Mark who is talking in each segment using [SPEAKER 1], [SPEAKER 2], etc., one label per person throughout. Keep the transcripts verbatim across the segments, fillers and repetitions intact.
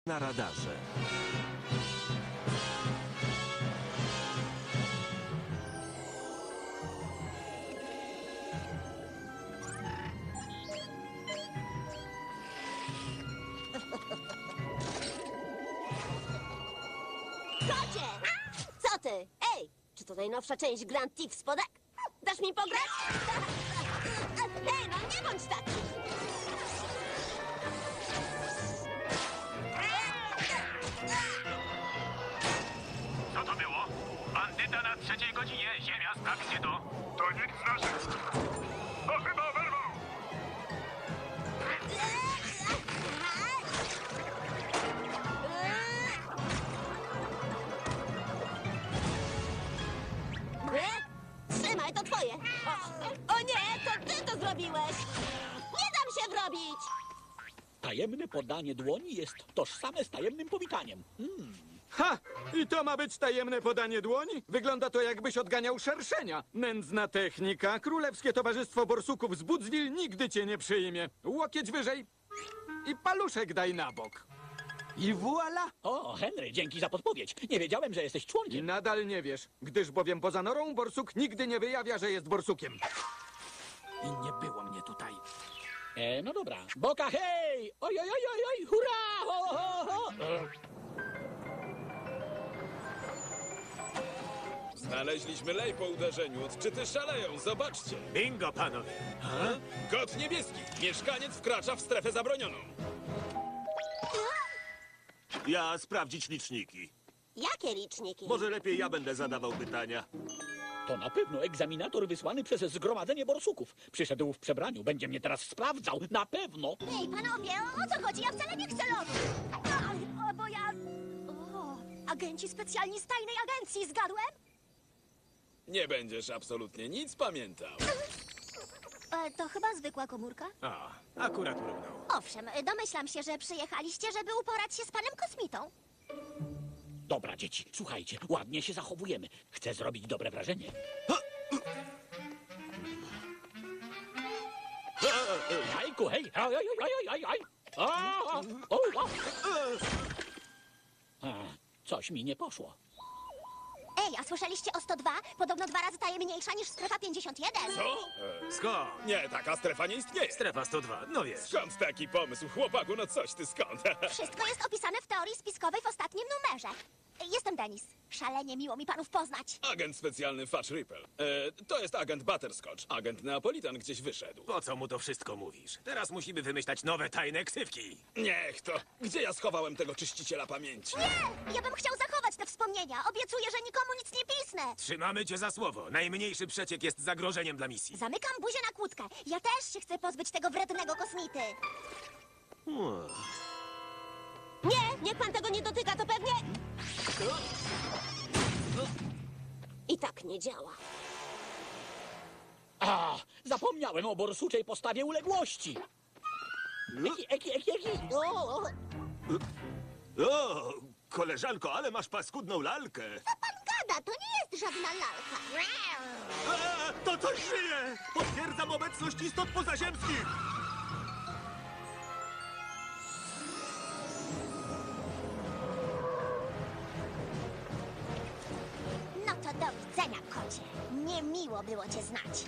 [SPEAKER 1] Na radarze.
[SPEAKER 2] Kocie! Co ty? Ej, czy to najnowsza część Grand Theft Spodek? Dasz mi pograć? Ej, no nie bądź taki!
[SPEAKER 3] Co to było? Bandyta na trzeciej godzinie. Ziemia, sprawdźcie to.
[SPEAKER 4] To nikt z naszych. To chyba oberwał.
[SPEAKER 2] Trzymaj, to twoje! O, o nie, to ty to zrobiłeś! Nie dam się wrobić!
[SPEAKER 5] Tajemne podanie dłoni jest tożsame z tajemnym powitaniem. Hmm.
[SPEAKER 6] Ha! I to ma być tajemne podanie dłoni? Wygląda to, jakbyś odganiał szerszenia. Nędzna technika. Królewskie Towarzystwo Borsuków z Budzwil nigdy cię nie przyjmie. Łokieć wyżej i paluszek daj na bok.
[SPEAKER 1] I voila!
[SPEAKER 5] O, Henry, dzięki za podpowiedź. Nie wiedziałem, że jesteś
[SPEAKER 6] I
[SPEAKER 5] członkiem.
[SPEAKER 6] nadal nie wiesz, gdyż bowiem poza norą borsuk nigdy nie wyjawia, że jest borsukiem. I nie było mnie tutaj.
[SPEAKER 5] E, no dobra. Boka, hej! Oj, oj, oj, oj, oj, hurra! Ho, ho, ho!
[SPEAKER 7] Znaleźliśmy lej po uderzeniu. Odczyty szaleją, zobaczcie.
[SPEAKER 4] Bingo, panowie.
[SPEAKER 7] Kot niebieski. Mieszkaniec wkracza w strefę zabronioną.
[SPEAKER 8] Ja sprawdzić liczniki.
[SPEAKER 2] Jakie liczniki?
[SPEAKER 8] Może lepiej ja będę zadawał pytania.
[SPEAKER 5] To na pewno egzaminator wysłany przez Zgromadzenie Borsuków. Przyszedł w przebraniu, będzie mnie teraz sprawdzał. Na pewno.
[SPEAKER 2] Ej, panowie, o co chodzi? Ja wcale nie chcę lotu! A, o, bo ja... O, agenci specjalni z tajnej agencji, zgadłem?
[SPEAKER 7] Nie będziesz absolutnie nic pamiętał.
[SPEAKER 2] E, to chyba zwykła komórka?
[SPEAKER 4] A, akurat mrugnął.
[SPEAKER 2] Owszem, domyślam się, że przyjechaliście, żeby uporać się z panem kosmitą.
[SPEAKER 5] Dobra, dzieci, słuchajcie, ładnie się zachowujemy. Chcę zrobić dobre wrażenie. Jajku, hej! Oj, oj, oj, oj, oj, oj! O, o, o, o. A, coś mi nie poszło.
[SPEAKER 2] Ej, a słyszeliście o sto dwa? Podobno dwa razy tajemniejsza niż strefa pięćdziesiąt jeden.
[SPEAKER 7] Co? E,
[SPEAKER 4] Skąd?
[SPEAKER 7] nie, taka strefa nie istnieje.
[SPEAKER 4] Strefa sto dwa, no wiesz.
[SPEAKER 7] Skąd taki pomysł, chłopaku? No coś ty skąd?
[SPEAKER 2] Wszystko jest opisane w teorii spiskowej w ostatnim numerze. Jestem Denis. Szalenie miło mi panów poznać.
[SPEAKER 7] Agent specjalny Fudge Ripple. E, to jest agent Butterscotch. Agent Neapolitan gdzieś wyszedł.
[SPEAKER 4] Po co mu to wszystko mówisz? Teraz musimy wymyślać nowe tajne ksywki.
[SPEAKER 7] Niech to. Gdzie ja schowałem tego czyściciela pamięci?
[SPEAKER 2] Nie! Ja bym chciał zachować te wspomnienia. Obiecuję, że nikomu nic nie pisnę.
[SPEAKER 4] Trzymamy cię za słowo. Najmniejszy przeciek jest zagrożeniem dla misji.
[SPEAKER 2] Zamykam buzię na kłódkę. Ja też się chcę pozbyć tego wrednego kosmity. Nie, niech pan tego nie dotyka, to pewnie... I tak nie działa.
[SPEAKER 5] A, zapomniałem o borsuczej postawie uległości. Eki, eki, eki, eki.
[SPEAKER 2] O,
[SPEAKER 8] O, koleżanko, ale masz paskudną lalkę.
[SPEAKER 2] co pan gada? To nie jest żadna lalka.
[SPEAKER 8] A, to coś żyje! Potwierdzam obecność istot pozaziemskich!
[SPEAKER 2] No to do widzenia, kocie. Niemiło było cię znać.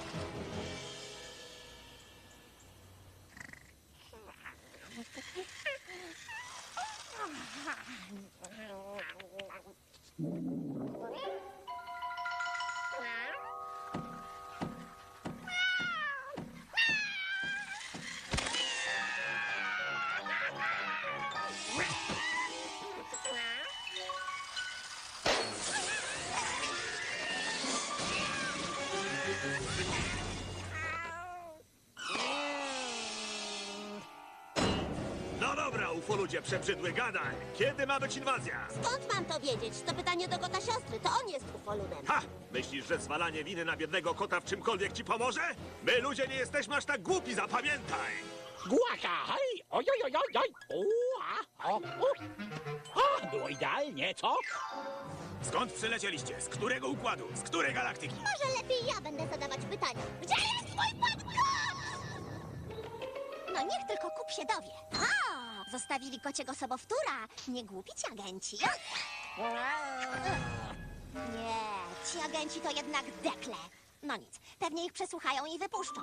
[SPEAKER 8] No dobra, ufoludzie przebrzydły, gadaj! Kiedy ma być inwazja?
[SPEAKER 2] Skąd mam to wiedzieć? To pytanie do kota siostry. To on jest ufoludem.
[SPEAKER 8] Ha! Myślisz, że zwalanie winy na biednego kota w czymkolwiek ci pomoże? My ludzie nie jesteśmy aż tak głupi, zapamiętaj!
[SPEAKER 5] Głaka, hej! Oj, oj, oj, oj, oj! U, a, o, u. O, było idealnie, co?
[SPEAKER 4] Skąd przylecieliście? Z którego układu? Z której galaktyki?
[SPEAKER 2] Może lepiej ja będę zadawać pytania. Gdzie jest mój pan kot? No niech tylko kup się dowie. A, Zostawili kociego sobowtóra. Nie głupi ci agenci. Nie, ci agenci to jednak dekle. No nic, pewnie ich przesłuchają i wypuszczą.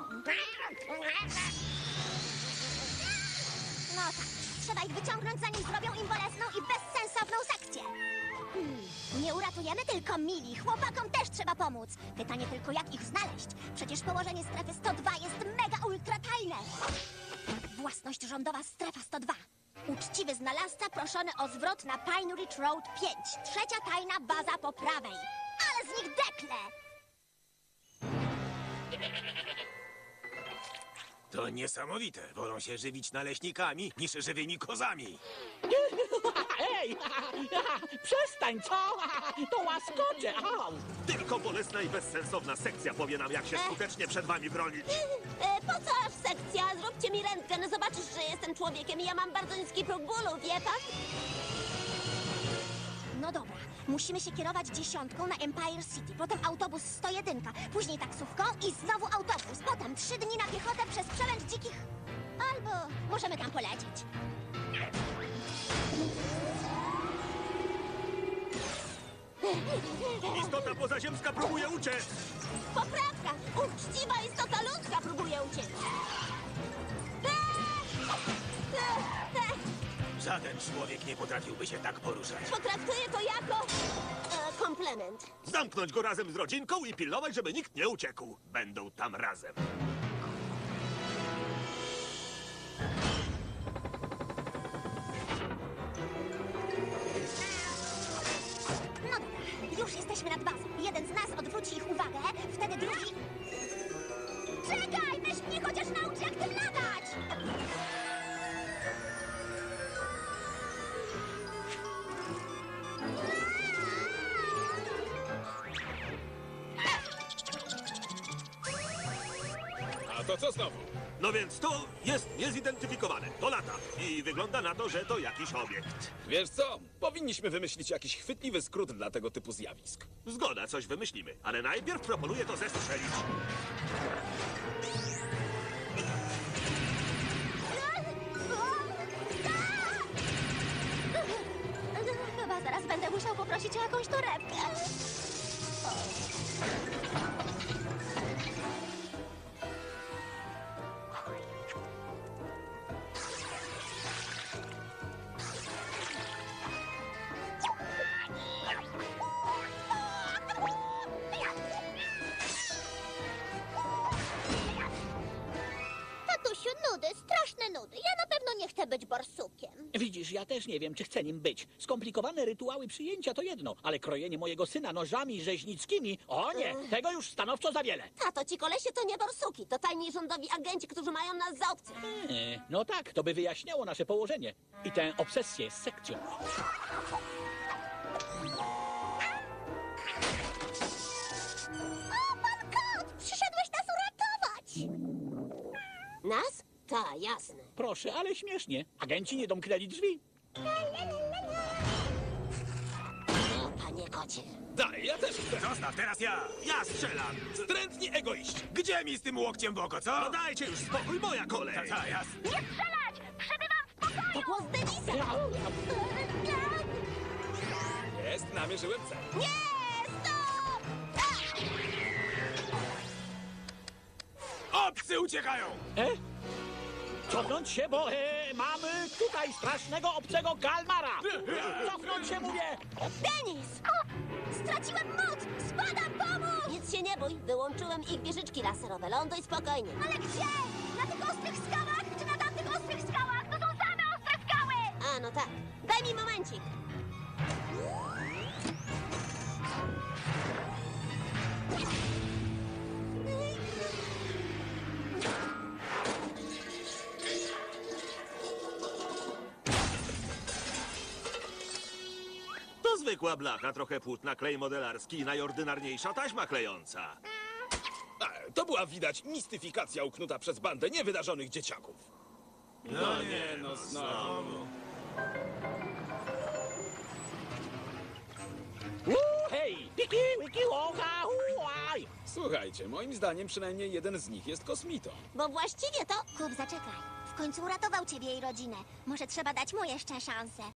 [SPEAKER 2] No tak, trzeba ich wyciągnąć, zanim zrobią im bolesną i bezsensowną sekcję. Hmm, nie uratujemy tylko Mili, chłopakom też trzeba pomóc. Pytanie tylko, jak ich znaleźć? Przecież położenie strefy sto dwa jest mega ultra tajne. Własność rządowa strefa sto dwa. Uczciwy znalazca proszony o zwrot na Pine Ridge Road pięć. Trzecia tajna baza po prawej. Ale z nich dekle!
[SPEAKER 4] To niesamowite. Wolą się żywić naleśnikami niż żywymi kozami.
[SPEAKER 5] Ej, przestań, co? To łaskocze. Au.
[SPEAKER 8] Tylko bolesna i bezsensowna sekcja powie nam, jak się skutecznie przed wami bronić.
[SPEAKER 2] E, po co aż sekcja? Zróbcie mi rentgen, zobaczysz, że jestem człowiekiem i ja mam bardzo niski próg bólu, wie pan? No dobra, musimy się kierować dziesiątką na Empire City, potem autobus sto jeden, później taksówką i znowu autobus, potem trzy dni na piechotę przez przelęcz dzikich... Albo możemy tam polecieć.
[SPEAKER 8] Istota pozaziemska próbuje uciec.
[SPEAKER 2] Poprawka! Uczciwa istota ludzka próbuje uciec.
[SPEAKER 4] Żaden człowiek nie potrafiłby się tak poruszać.
[SPEAKER 2] Potraktuję to jako... E, komplement.
[SPEAKER 8] Zamknąć go razem z rodzinką i pilnować, żeby nikt nie uciekł. Będą tam razem.
[SPEAKER 2] No dobra, już jesteśmy nad bazą. Jeden z nas odwróci ich uwagę, wtedy drugi... Czekaj, weź mnie chociaż naucz, jak tym latać!
[SPEAKER 7] A to co znowu?
[SPEAKER 8] No więc to jest niezidentyfikowane. To lata. I wygląda na to, że to jakiś obiekt.
[SPEAKER 7] Wiesz co? Powinniśmy wymyślić jakiś chwytliwy skrót dla tego typu zjawisk.
[SPEAKER 8] Zgoda, coś wymyślimy. Ale najpierw proponuję to zestrzelić.
[SPEAKER 2] Chyba zaraz będę musiał poprosić o jakąś torebkę.
[SPEAKER 9] Tatusiu, nudy, straszne nudy. Ja na pewno nie chcę być borsukiem.
[SPEAKER 5] Widzisz, ja też nie wiem, czy chcę nim być. Skomplikowane rytuały przyjęcia to jedno, ale krojenie mojego syna nożami rzeźnickimi, o nie, tego już stanowczo za wiele.
[SPEAKER 2] Tato, ci kolesie to nie borsuki, to tajni rządowi agenci, którzy mają nas za obcych.
[SPEAKER 5] E, no tak, to by wyjaśniało nasze położenie i tę obsesję z sekcją.
[SPEAKER 9] O, pan kot! Przyszedłeś nas uratować!
[SPEAKER 2] Nas? Ta, jasne.
[SPEAKER 5] Proszę, ale śmiesznie. Agenci nie domknęli drzwi.
[SPEAKER 2] O, panie kocie.
[SPEAKER 7] Daj, ja też chcę.
[SPEAKER 4] Zostaw, teraz ja.
[SPEAKER 8] Ja strzelam.
[SPEAKER 7] Wstrętni egoiści.
[SPEAKER 4] Gdzie mi z tym łokciem w oko, co?
[SPEAKER 8] No dajcie już spokój, moja kolej.
[SPEAKER 4] Ta, ta, jasne.
[SPEAKER 9] Nie strzelać! Przebywam w pokoju!
[SPEAKER 2] To głos Denisa.
[SPEAKER 7] Jest, namierzyłem cel.
[SPEAKER 2] Nie, stop!
[SPEAKER 4] Obcy uciekają!
[SPEAKER 5] E? Cofnąć się, bo e, mamy tutaj strasznego obcego kalmara. Cofnąć się, mówię.
[SPEAKER 2] Denis! Straciłem moc! Spadam, pomóż! Nic się nie bój, wyłączyłem ich wieżyczki laserowe. Ląduj spokojnie. Ale gdzie? Na tych ostrych skałach? Czy na tamtych ostrych skałach? To są same ostre skały! A, no tak. Daj mi momencik.
[SPEAKER 8] To zwykła blacha, trochę płótna, klej modelarski i najordynarniejsza taśma klejąca.
[SPEAKER 7] A, to była widać mistyfikacja uknuta przez bandę niewydarzonych dzieciaków. No nie, no znowu.
[SPEAKER 5] Uuu, hej, piki, wiki, łoka, huaj.
[SPEAKER 7] Słuchajcie, moim zdaniem przynajmniej jeden z nich jest kosmitą.
[SPEAKER 2] Bo właściwie to...
[SPEAKER 9] Kup, zaczekaj. W
[SPEAKER 2] końcu uratował ciebie i rodzinę. Może trzeba dać mu jeszcze szansę.